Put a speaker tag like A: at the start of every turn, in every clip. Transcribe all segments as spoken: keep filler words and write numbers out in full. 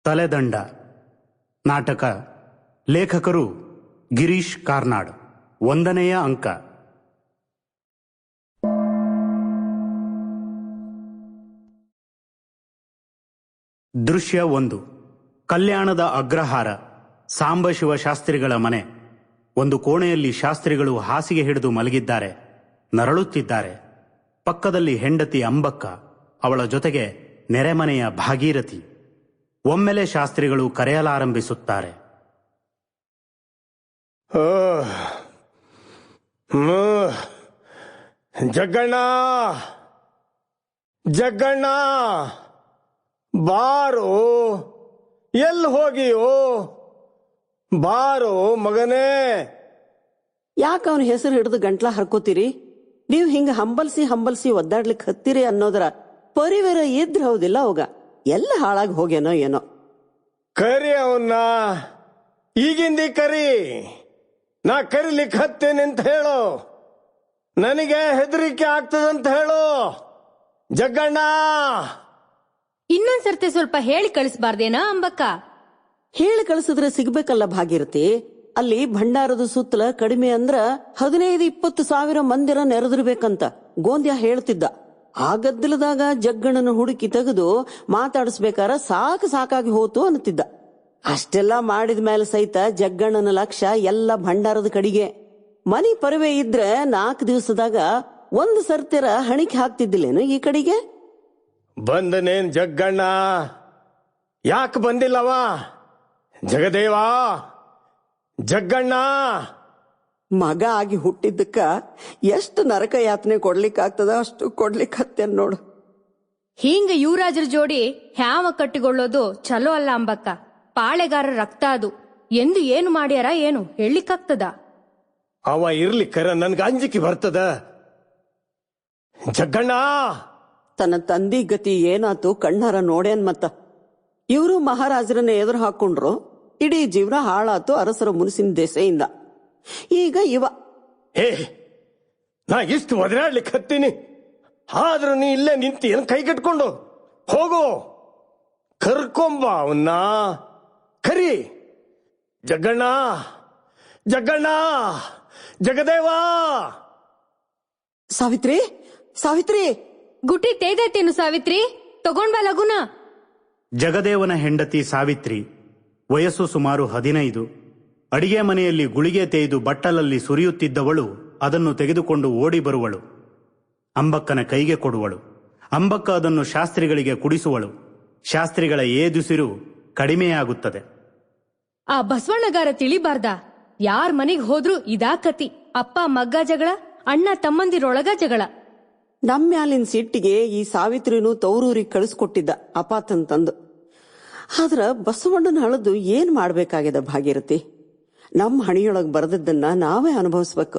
A: ತಲೆದಂಡ ನಾಟಕ. ಲೇಖಕರು ಗಿರೀಶ್ ಕಾರ್ನಾಡ್. ಒಂದನೆಯ ಅಂಕ. ದೃಶ್ಯ ಒಂದು. ಕಲ್ಯಾಣದ ಅಗ್ರಹಾರ, ಸಾಂಬಶಿವ ಶಾಸ್ತ್ರಿಗಳ ಮನೆ. ಒಂದು ಕೋಣೆಯಲ್ಲಿ ಶಾಸ್ತ್ರಿಗಳು ಹಾಸಿಗೆ ಹಿಡಿದು ಮಲಗಿದ್ದಾರೆ, ನರಳುತ್ತಿದ್ದಾರೆ. ಪಕ್ಕದಲ್ಲಿ ಹೆಂಡತಿ ಅಂಬಕ್ಕ, ಅವಳ ಜೊತೆಗೆ ನೆರೆಮನೆಯ ಭಾಗೀರಥಿ. ಒಮ್ಮೆಲೆ ಶಾಸ್ತ್ರಿಗಳು ಕರೆಯಲಾರಂಭಿಸುತ್ತಾರೆ.
B: ಜಗ್ಗಣ್ಣ, ಜಗ್ಗಣ್ಣ ಬಾರೋ, ಎಲ್ಲಿ ಹೋಗಿಯೋ? ಬಾರೋ ಮಗನೇ.
C: ಯಾಕೆ ಅವನ ಹೆಸರು ಹಿಡಿದು ಗಂಟ್ಲ ಹರ್ಕೋತೀರಿ? ನೀವು ಹಿಂಗ ಹಂಬಲ್ಸಿ ಹಂಬಲ್ಸಿ ಒದ್ದಾಡ್ಲಿಕ್ಕೆ ಹತ್ತೀರಿ ಅನ್ನೋದ್ರ ಪರಿವೇರ ಇದ್ರ ಹೌದಿಲ್ಲ ಅವಾಗ ಎಲ್ಲ ಹಾಳಾಗಿ ಹೋಗ್ಯಾನೋ ಏನೋ.
B: ಕರಿ ಅವನ್ನ, ಈಗಿಂದಿ ಕರಿ. ನಾ ಕರಿಲಿಕ್ಕೆ ಹತ್ತೇನೆ ಅಂತ ಹೇಳು. ನನಗೆ ಹೆದರಿಕೆ ಆಗ್ತದಂತ ಹೇಳು. ಜಗ್ಗಣ್ಣ,
D: ಇನ್ನೊಂದ್ಸರ್ತಿ ಸ್ವಲ್ಪ ಹೇಳಿ ಕಳಿಸ್ಬಾರ್ದೇನಾ ಅಂಬಕ್ಕ?
C: ಹೇಳಿ ಕಳಿಸಿದ್ರೆ ಸಿಗ್ಬೇಕಲ್ಲ ಭಾಗೀರಥಿ. ಅಲ್ಲಿ ಭಂಡಾರದ ಸುತ್ತಲ ಕಡಿಮೆ ಅಂದ್ರ ಹದಿನೈದು ಇಪ್ಪತ್ತು ಸಾವಿರ ಮಂದಿರ ನೆರೆದಿರ್ಬೇಕಂತ ಗೋಂದ್ಯ ಹೇಳ್ತಿದ್ದ. ಆ ಗದ್ದಲದಾಗ ಜಗ್ಗಣ್ಣನ ಹುಡುಕಿ ತೆಗೆದು ಮಾತಾಡಿಸ್ಬೇಕಾರ ಸಾಕು ಸಾಕಾಗಿ ಹೋತು ಅನ್ನತಿದ್ದ. ಅಷ್ಟೆಲ್ಲ ಮಾಡಿದ ಮೇಲೆ ಸಹಿತ ಜಗ್ಗಣ್ಣನ ಲಕ್ಷ್ಯ ಎಲ್ಲ ಭಂಡಾರದ ಕಡೆಗೆ. ಮನಿ ಪರವೆ ಇದ್ರೆ ನಾಲ್ಕು ದಿವಸದಾಗ ಒಂದು ಸರ್ತಿರ ಹಣಿಕೆ ಹಾಕ್ತಿದ್ದಿಲ್ಲೇನು ಈ ಕಡೆಗೆ?
B: ಬಂದನೇನ್ ಜಗ್ಗಣ್ಣ? ಯಾಕೆ ಬಂದಿಲ್ಲವ? ಜಗದೇವ, ಜಗ್ಗಣ್ಣ
C: ಮಗ ಆಗಿ ಹುಟ್ಟಿದ್ದಕ್ಕ ಎಷ್ಟು ನರಕ ಯಾತನೆ ಕೊಡ್ಲಿಕ್ಕಾಗ್ತದ ಅಷ್ಟು ಕೊಡ್ಲಿಕ್ಕೆ ಹತ್ತೇನ್ ನೋಡು.
D: ಹಿಂಗ ಯುವರಾಜರ ಜೋಡಿ ಹ್ಯಾವ ಕಟ್ಟಿಕೊಳ್ಳೋದು ಚಲೋ ಅಲ್ಲ ಅಂಬಕ್ಕ. ಪಾಳೆಗಾರ ರಕ್ತ ಅದು. ಎಂದು ಏನು ಮಾಡ್ಯಾರ ಏನು ಹೇಳಲಿಕ್ಕಾಗ್ತದ?
B: ಅವ ಇರ್ಲಿಕ್ಕರ ನನ್ಗ ಅಂಜಿಕೆ ಬರ್ತದ. ಜಗ್ಗಣ್ಣ,
C: ತನ್ನ ತಂದಿ ಗತಿ ಏನಾತು ಕಣ್ಣಾರ ನೋಡ್ಯಾನ್. ಮತ್ತ ಇವರು ಮಹಾರಾಜರನ್ನ ಎದುರು ಹಾಕೊಂಡ್ರು. ಇಡೀ ಜೀವನ ಹಾಳಾತು ಅರಸರ ಮುನಿಸಿನ ದೆಸೆಯಿಂದ. ಈಗ ಇವ
B: ಏ, ನಾ ಇಷ್ಟು ಒದರಾಡ್ಲಿಕ್ಕೆ ಹತ್ತೀನಿ, ಆದ್ರೂ ನೀ ಇಲ್ಲೇ ನಿಂತಿ ಏನ್ ಕೈ ಕಟ್ಕೊಂಡು ಹೋಗು. ಕರ್ಕೊಂಬ ಅವನ್ನ, ಕರಿ. ಜಗ್ಗಣ್ಣ, ಜಗ್ಗಣ್ಣ, ಜಗದೇವ.
C: ಸಾವಿತ್ರಿ, ಸಾವಿತ್ರಿ.
D: ಗುಟಿ ತೇದೈತೇನು ಸಾವಿತ್ರಿ? ತಗೊಂಡ್ಬಾ ಲಗುನ.
A: ಜಗದೇವನ ಹೆಂಡತಿ ಸಾವಿತ್ರಿ. ವಯಸ್ಸು ಸುಮಾರು ಹದಿನೈದು. ಅಡಿಗೆ ಮನೆಯಲ್ಲಿ ಗುಳಿಗೆ ತೇಯ್ದು ಬಟ್ಟಲಲ್ಲಿ ಸುರಿಯುತ್ತಿದ್ದವಳು ಅದನ್ನು ತೆಗೆದುಕೊಂಡು ಓಡಿ ಬರುವಳು. ಅಂಬಕ್ಕನ ಕೈಗೆ ಕೊಡುವಳು. ಅಂಬಕ್ಕ ಅದನ್ನು ಶಾಸ್ತ್ರಿಗಳಿಗೆ ಕುಡಿಸುವಳು. ಶಾಸ್ತ್ರಿಗಳ ಏದುಸಿರು ಕಡಿಮೆಯಾಗುತ್ತದೆ.
D: ಆ ಬಸವಣ್ಣಗಾರ ತಿಳಿಬಾರ್ದ? ಯಾರ್ ಮನೆಗ್ ಹೋದ್ರು ಇದಾ ಕತಿ. ಅಪ್ಪ ಮಗ್ಗ ಜಗಳ, ಅಣ್ಣ ತಮ್ಮಂದಿರೊಳಗ ಜಗಳ.
C: ನಮ್ಮ್ಯಾಲಿನ ಸಿಟ್ಟಿಗೆ ಈ ಸಾವಿತ್ರಿನೂ ತೌರೂರಿಗೆ ಕಳಿಸ್ಕೊಟ್ಟಿದ್ದ ಅಪಾತಂತಂದು. ಆದ್ರ ಬಸವಣ್ಣನ ಹಳದು ಏನ್ ಮಾಡ್ಬೇಕಾಗ್ಯದ ಭಾಗೀರಥಿ? ನಮ್ಮ ಹಣಿಯೊಳಗ್ ಬರೆದದ್ದನ್ನ ನಾವೇ ಅನುಭವಿಸ್ಬೇಕು.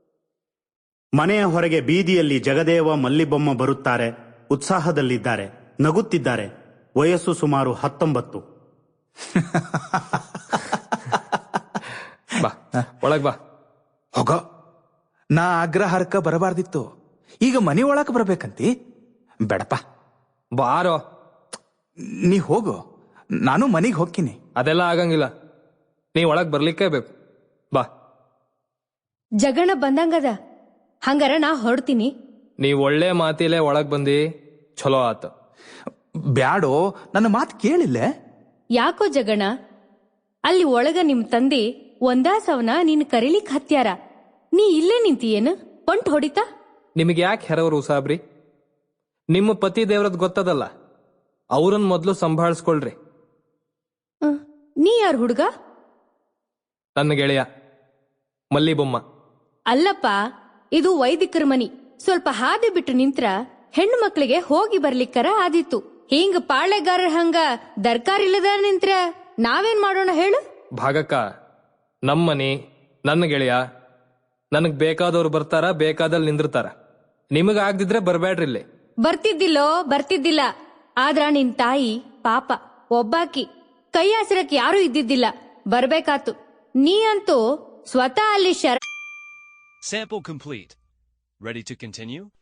A: ಮನೆಯ ಹೊರಗೆ ಬೀದಿಯಲ್ಲಿ ಜಗದೇವ ಮಲ್ಲಿಬೊಮ್ಮ ಬರುತ್ತಾರೆ. ಉತ್ಸಾಹದಲ್ಲಿದ್ದಾರೆ, ನಗುತ್ತಿದ್ದಾರೆ. ವಯಸ್ಸು ಸುಮಾರು ಹತ್ತೊಂಬತ್ತು.
E: ಬಾ ಒಳಗ್ ಬಾ.
F: ಹೋಗ, ನಾ ಅಗ್ರಹಾರಕ್ಕ ಬರಬಾರ್ದಿತ್ತು, ಈಗ ಮನಿ ಒಳಕ್ ಬರ್ಬೇಕಂತಿ? ಬೇಡಪ್ಪ,
E: ಬಾರೋ.
F: ನೀ ಹೋಗು, ನಾನು ಮನಿಗ್ ಹೋಗ್ತೀನಿ.
E: ಅದೆಲ್ಲ ಆಗಂಗಿಲ್ಲ, ನೀ ಒಳಗ್ ಬರ್ಲಿಕ್ಕೆ ಬೇಕು. ಬಾ.
D: ಜಗಣ ಬಂದಂಗದ, ಹಂಗಾರ ನಾ ಹೊರಡ್ತೀನಿ.
E: ನೀವ್ ಒಳ್ಳೆ ಮಾತಿಲೆ ಒಳಗ್ ಬಂದಿ, ಚಲೋ ಆತ.
F: ಬ್ಯಾಡೋ, ನನ್ನ ಮಾತು ಕೇಳಿಲ್ಲ.
D: ಯಾಕೋ ಜಗಣ? ಅಲ್ಲಿ ಒಳಗ ನಿಮ್ ತಂದೆ ಒಂದಾಸವನ ನೀನ್ ಕರೀಲಿಕ್ ಹತ್ಯಾರ. ನೀ ಇಲ್ಲೇ ನಿಂತಿಯೇನು? ಪಂಟ್ ಹೊಡಿತಾ?
E: ನಿಮಗೆ ಯಾಕೆ ಹೆರವರು ಸಾಬ್ರಿ? ನಿಮ್ಮ ಪತಿ ದೇವ್ರದ್ ಗೊತ್ತದಲ್ಲ, ಅವ್ರನ್ ಮೊದ್ಲು ಸಂಭಾಳಿಸ್ಕೊಳ್ರಿ.
D: ನೀ ಯಾರು ಹುಡುಗ?
E: ನನ್ನ ಗೆಳೆಯ ಮಲ್ಲಿಬೊಮ್ಮ.
D: ಅಲ್ಲಪ್ಪ, ಇದು ವೈದಿಕರ ಮನಿ. ಸ್ವಲ್ಪ ಹಾದಿ ಬಿಟ್ಟು ನಿಂತ್ರ ಹೆಣ್ಣು ಮಕ್ಳಿಗೆ ಹೋಗಿ ಬರ್ಲಿಕ್ಕರ ಆದಿತ್ತು. ಹಿಂಗ ಪಾಳೆಗಾರರ ಹಂಗ ದರ್ಕಾರಿಲ್ಲದ ನಿಂತ್ರ ನಾವೇನ್ ಮಾಡೋಣ ಹೇಳು?
E: ಭಾಗಕ್ಕ, ನಮ್ಮನಿ, ನನ್ನ ಗೆಳೆಯ, ನನಗ್ ಬೇಕಾದವ್ರು ಬರ್ತಾರ, ಬೇಕಾದಲ್ಲಿ ನಿಂದಿರ್ತಾರ. ನಿಮಗ ಆಗ್ದಿದ್ರೆ ಬರ್ಬೇಡ್ರಿ ಇಲ್ಲಿ.
D: ಬರ್ತಿದ್ದಿಲ್ಲೋ ಬರ್ತಿದ್ದಿಲ್ಲ. ಆದ್ರ ನಿನ್ ತಾಯಿ ಪಾಪ ಒಬ್ಬಾಕಿ, ಕೈ ಹಸಿರಕ್ ಯಾರು ಇದ್ದಿದ್ದಿಲ್ಲ, ಬರ್ಬೇಕಾತು. ನೀ ಅಂತೂ ಸ್ವತಃ ಅಲ್ಲಿ ಶರ.
G: Sample complete. Ready to continue?